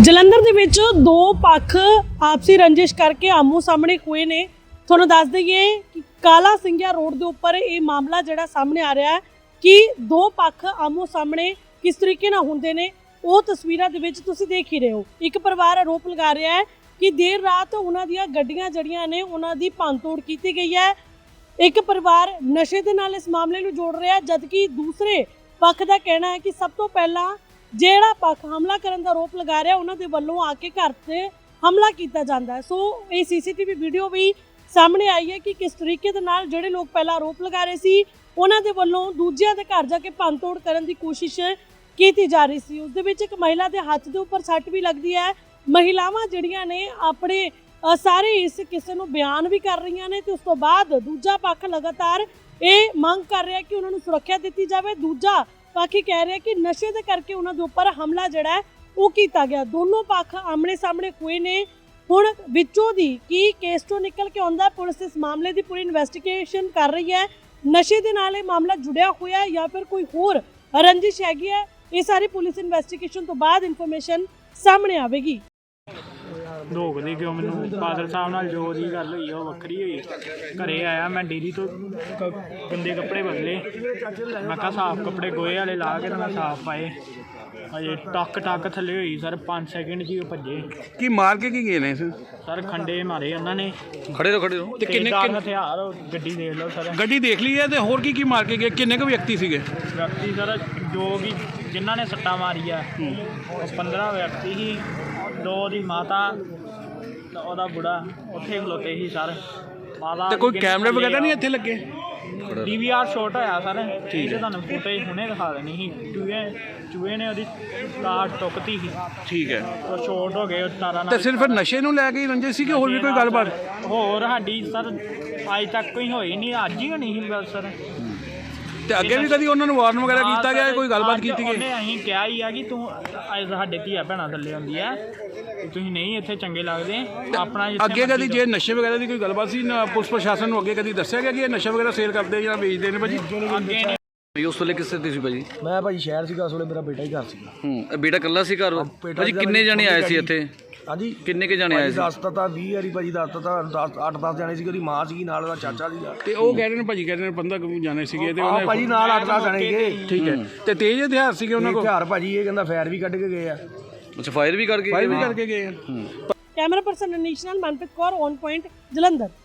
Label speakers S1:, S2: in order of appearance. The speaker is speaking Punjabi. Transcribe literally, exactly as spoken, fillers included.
S1: ਜਲੰਧਰ ਦੇ ਵਿੱਚ ਦੋ ਪੱਖ ਆਪਸੀ ਰੰਜਿਸ਼ ਕਰਕੇ ਆਮੋ ਸਾਹਮਣੇ ਹੋਏ ਨੇ। ਤੁਹਾਨੂੰ ਦੱਸ ਦਈਏ ਕਿ ਕਾਲਾ ਸਿੰਘਿਆ ਰੋਡ ਦੇ ਉੱਪਰ ਇਹ ਮਾਮਲਾ ਜਿਹੜਾ ਸਾਹਮਣੇ ਆ ਰਿਹਾ ਹੈ ਕਿ ਦੋ ਪੱਖ ਆਮੋ ਸਾਹਮਣੇ ਕਿਸ ਤਰੀਕੇ ਨਾਲ ਹੁੰਦੇ ਨੇ ਉਹ ਤਸਵੀਰਾਂ ਦੇ ਵਿੱਚ ਤੁਸੀਂ ਦੇਖ ਹੀ ਰਹੇ ਹੋ। ਇੱਕ ਪਰਿਵਾਰ ਆਰੋਪ ਲਗਾ ਰਿਹਾ ਹੈ ਕਿ ਦੇਰ ਰਾਤ ਉਹਨਾਂ ਦੀਆਂ ਗੱਡੀਆਂ ਜਿਹੜੀਆਂ ਨੇ ਉਹਨਾਂ ਦੀ ਭੰਨਤੋੜ ਕੀਤੀ ਗਈ ਹੈ। ਇੱਕ ਪਰਿਵਾਰ ਨਸ਼ੇ ਦੇ ਨਾਲ ਇਸ ਮਾਮਲੇ ਨੂੰ ਜੋੜ ਰਿਹਾ ਜਦਕਿ ਦੂਸਰੇ ਪੱਖ ਦਾ ਕਹਿਣਾ ਹੈ ਕਿ ਸਭ ਤੋਂ ਪਹਿਲਾਂ ਜਿਹੜਾ ਪੱਖ ਹਮਲਾ ਕਰਨ ਦਾ ਆਰੋਪ ਲਗਾ ਰਿਹਾ ਉਹਨਾਂ ਦੇ ਵੱਲੋਂ ਆ ਕੇ ਘਰ ਤੇ ਹਮਲਾ ਕੀਤਾ ਜਾਂਦਾ ਹੈ। ਸੋ ਇਹ ਸੀਸੀਟੀਵੀ ਵੀਡੀਓ ਵੀ ਸਾਹਮਣੇ ਆਈ ਹੈ ਕਿ ਕਿਸ ਤਰੀਕੇ ਦੇ ਨਾਲ ਜਿਹੜੇ ਲੋਕ ਪਹਿਲਾਂ ਆਰੋਪ ਲਗਾ ਰਹੇ ਸੀ ਉਹਨਾਂ ਦੇ ਵੱਲੋਂ ਦੂਜਿਆਂ ਦੇ ਘਰ ਜਾ ਕੇ ਭੰਨਤੋੜ ਕਰਨ ਦੀ ਕੋਸ਼ਿਸ਼ ਕੀਤੀ ਜਾ ਰਹੀ ਸੀ। ਉਸ ਦੇ ਵਿੱਚ ਇੱਕ ਮਹਿਲਾ ਦੇ ਹੱਥ ਦੇ ਉੱਪਰ ਸੱਟ ਵੀ ਲੱਗਦੀ ਹੈ। ਮਹਿਲਾਵਾਂ ਜਿਹੜੀਆਂ ਨੇ ਆਪਣੇ ਸਾਰੇ ਇਸ ਕਿਸੇ ਨੂੰ ਬਿਆਨ ਵੀ ਕਰ ਰਹੀਆਂ ਨੇ ਤੇ ਉਸ ਤੋਂ ਬਾਅਦ ਦੂਜਾ ਪੱਖ ਲਗਾਤਾਰ ਇਹ ਮੰਗ ਕਰ ਰਿਹਾ ਕਿ ਉਹਨਾਂ ਨੂੰ ਸੁਰੱਖਿਆ ਦਿੱਤੀ ਜਾਵੇ। ਦੂਜਾ ਪੱਖ ਕਹਿ ਰਿਹਾ ਕਿ ਨਸ਼ੇ ਦੇ ਕਰਕੇ ਉਹਨਾਂ ਦੇ ਉੱਪਰ ਹਮਲਾ ਜਿਹੜਾ ਹੈ ਉਹ ਕੀਤਾ ਗਿਆ। ਦੋਨੋਂ ਪੱਖ ਆਮਣੇ ਸਾਹਮਣੇ ਹੋਏ ਨੇ। ਹੁਣ ਵਿੱਚੋਂ ਦੀ ਕੀ ਕੇਸ ਤੋਂ ਨਿਕਲ ਕੇ ਆਉਂਦਾ, ਪੁਲਿਸ ਇਸ ਮਾਮਲੇ ਦੀ ਪੂਰੀ ਇਨਵੈਸਟੀਗੇਸ਼ਨ ਕਰ ਰਹੀ ਹੈ। ਨਸ਼ੇ ਦੇ ਨਾਲ ਇਹ ਮਾਮਲਾ ਜੁੜਿਆ ਹੋਇਆ ਹੈ ਜਾਂ ਫਿਰ ਕੋਈ ਹੋਰ ਰੰਜਿਸ਼ ਹੈਗੀ ਹੈ, ਇਹ ਸਾਰੀ ਪੁਲਿਸ ਇਨਵੈਸਟੀਗੇਸ਼ਨ ਤੋਂ ਬਾਅਦ ਇਨਫੋਰਮੇਸ਼ਨ ਸਾਹਮਣੇ ਆਵੇਗੀ।
S2: ਧੋਖਦੇ ਕਿਉਂ ਮੈਨੂੰ ਬਾਦਲ ਸਾਹਿਬ ਨਾਲ ਜੋ ਦੀ ਗੱਲ ਹੋਈ ਉਹ ਵੱਖਰੀ ਹੋਈ। ਘਰੇ ਆਇਆ ਮੈਂ ਡੇਰੀ ਤੋਂ ਗੰਦੇ ਕੱਪੜੇ ਬਦਲੇ, ਮੈਂ ਕਿਹਾ ਸਾਫ਼ ਕੱਪੜੇ ਗੋਹੇ ਵਾਲੇ ਲਾ ਕੇ ਤਾਂ ਮੈਂ ਸਾਫ਼ ਪਾਏ। ਅਜੇ ਟੱਕ ਟੱਕ ਥੱਲੇ ਹੋਈ ਸਰ, ਪੰਜ ਸੈਕਿੰਡ 'ਚ ਹੀ ਉਹ ਭੱਜੇ।
S3: ਕੀ ਮਾਰ ਕੇ ਕੀ ਗਏ ਨੇ
S2: ਸਰ? ਖੰਡੇ ਮਾਰੇ ਉਹਨਾਂ ਨੇ।
S3: ਖੜੇ ਰਹੋ ਖੜੇ ਰਹੋ। ਤੇ ਕਿੰਨੇ
S2: ਕਿੰਨੇ ਹਥਿਆਰ? ਗੱਡੀ ਦੇਖ ਲਓ ਸਰ।
S3: ਗੱਡੀ ਦੇਖ ਲਈ ਹੈ ਤੇ ਹੋਰ ਕੀ ਕੀ ਮਾਰ ਕੇ ਗਏ? ਕਿੰਨੇ ਕੁ ਵਿਅਕਤੀ ਸੀਗੇ?
S2: ਵਿਅਕਤੀ ਸਰ ਜੋ ਕਿ ਜਿਨ੍ਹਾਂ ਨੇ ਸੱਟਾਂ ਮਾਰੀਆਂ ਉਹ ਪੰਦਰਾਂ ਵਿਅਕਤੀ ਸੀ। ਦੋ ਦੀ ਮਾਤਾ ਉਹਦਾ ਬੁੜਾ ਉੱਥੇ ਖਲੋਤੇ ਸੀ ਸਰ। ਮਾਤਾ
S3: ਤੇ ਕੋਈ ਕੈਮਰੇ ਵਗੈਰਾ ਨਹੀਂ ਇੱਥੇ ਲੱਗੇ?
S2: ਡੀ ਵੀ ਆਰ ਸ਼ਾਟ ਹੋਇਆ ਸਰ। ਠੀਕ ਹੈ, ਤੁਹਾਨੂੰ ਫੁਟੇਜ ਹੁਣੇ ਦਿਖਾ ਦੇਣੀ ਸੀ। ਚੂਹੇ ਚੂਹੇ ਨੇ ਉਹਦੀ ਕਾਰ ਟੁੱਕਤੀ ਸੀ।
S3: ਠੀਕ ਹੈ,
S2: ਉਹ ਸ਼ਾਟ ਹੋ ਗਏ ਉਹ ਤਾਰਾਂ ਨਾਲ।
S3: ਤੇ ਸਿਰਫ ਨਸ਼ੇ ਨੂੰ ਲੈ ਕੇ ਹੀ ਰੰਜਿਸ਼ ਸੀ ਕਿ ਹੋਰ ਵੀ ਕੋਈ ਗੱਲਬਾਤ?
S2: ਹੋਰ ਸਾਡੀ ਸਰ ਅੱਜ ਤੱਕ ਕੋਈ ਹੋਈ ਨਹੀਂ, ਅੱਜ ਹੀ ਹੋਣੀ ਸੀ ਗੱਲ ਸਰ।
S3: ਤੇ ਅੱਗੇ ਵੀ ਕਦੀ ਉਹਨਾਂ ਨੂੰ ਵਾਰਨ ਵਗੈਰਾ ਕੀਤਾ ਗਿਆ, ਕੋਈ ਗੱਲਬਾਤ ਕੀਤੀ ਗਈ?
S2: ਉਹਨੇ ਅਸੀਂ ਕਿਹਾ ਹੀ ਆ ਕਿ ਤੂੰ ਅੱਜ ਸਾਡੇ ਧੀਆ ਭੈਣਾਂ ਥੱਲੇ ਆਉਂਦੀ ਆ, ਤੁਸੀਂ ਨਹੀਂ ਇੱਥੇ ਚੰਗੇ ਲੱਗਦੇ ਆਪਣਾ।
S3: ਅੱਗੇ ਕਦੀ ਜੇ ਨਸ਼ੇ ਵਗੈਰਾ ਦੀ ਕੋਈ ਗੱਲਬਾਤ ਸੀ ਨਾ ਪੁਲਿਸ ਪ੍ਰਸ਼ਾਸਨ ਨੂੰ ਅੱਗੇ ਕਦੀ ਦੱਸਿਆ ਗਿਆ ਕਿ ਇਹ ਨਸ਼ਾ ਵਗੈਰਾ ਸੇਲ ਕਰਦੇ ਜਾਂ ਵੇਚਦੇ ਨੇ ਭਾਜੀ?
S2: ਅੱਗੇ ਨਹੀਂ।
S4: ਉਸ ਵੇਲੇ ਕਿਸ ਤੇ ਸੀ ਭਾਜੀ?
S5: ਮੈਂ ਭਾਜੀ ਸ਼ਹਿਰ ਸੀਗਾ, ਉਸ ਵੇਲੇ ਮੇਰਾ ਬੇਟਾ ਹੀ ਘਰ ਸੀਗਾ।
S4: ਹੂੰ, ਬੇਟਾ ਇਕੱਲਾ ਸੀ ਘਰ? ਭਾਜੀ ਕਿੰਨੇ ਜਣੇ ਆਏ ਸੀ ਇੱਥੇ?
S5: ਹਾਂਜੀ,
S4: ਕਿੰਨੇ ਕੇ ਜਾਣੇ ਆਏ ਸੀ?
S5: ਦੱਸਤਾ ਤਾਂ ਵੀਹ ਵਾਰੀ ਭਾਜੀ ਦੱਸਤਾ ਤਾਂ ਦਸ ਅੱਠ ਦਸ ਜਾਣੇ ਸੀ। ਉਹਦੀ ਮਾਂ ਸੀਗੀ ਨਾਲ, ਉਹਦਾ ਚਾਚਾ ਸੀਗਾ।
S3: ਤੇ ਉਹ ਕਹਿ ਰਹੇ ਨੇ ਭਾਜੀ ਕਹਿ ਰਹੇ ਨੇ ਪੰਦਰਾਂ ਕੁ ਜਾਣੇ ਸੀਗੇ ਤੇ
S5: ਆਹ ਭਾਜੀ ਨਾਲ ਅੱਠ ਦਸ ਜਾਣੇ ਸੀਗੇ।
S3: ਠੀਕ ਹੈ, ਤੇ ਤੇਜ਼ ਹਥਿਆਰ ਸੀਗੇ ਉਹਨਾਂ ਕੋਲ?
S5: ਹਥਿਆਰ ਭਾਜੀ ਇਹ ਕਹਿੰਦਾ ਫਾਇਰ ਵੀ ਕੱਢ ਕੇ ਗਏ ਆ।
S4: ਅੱਛਾ, ਫਾਇਰ ਵੀ ਕਰਕੇ
S3: ਫਾਇਰ ਵੀ ਕਰਕੇ ਗਏ ਆ।
S1: ਕੈਮਰਾ ਪਰਸਨ ਅਨੀਸ਼ ਨਾਲ ਮਨਪ੍ਰੀਤ ਕੌਰ, ਔਨ ਪੁਆਇੰਟ, ਜਲੰਧਰ।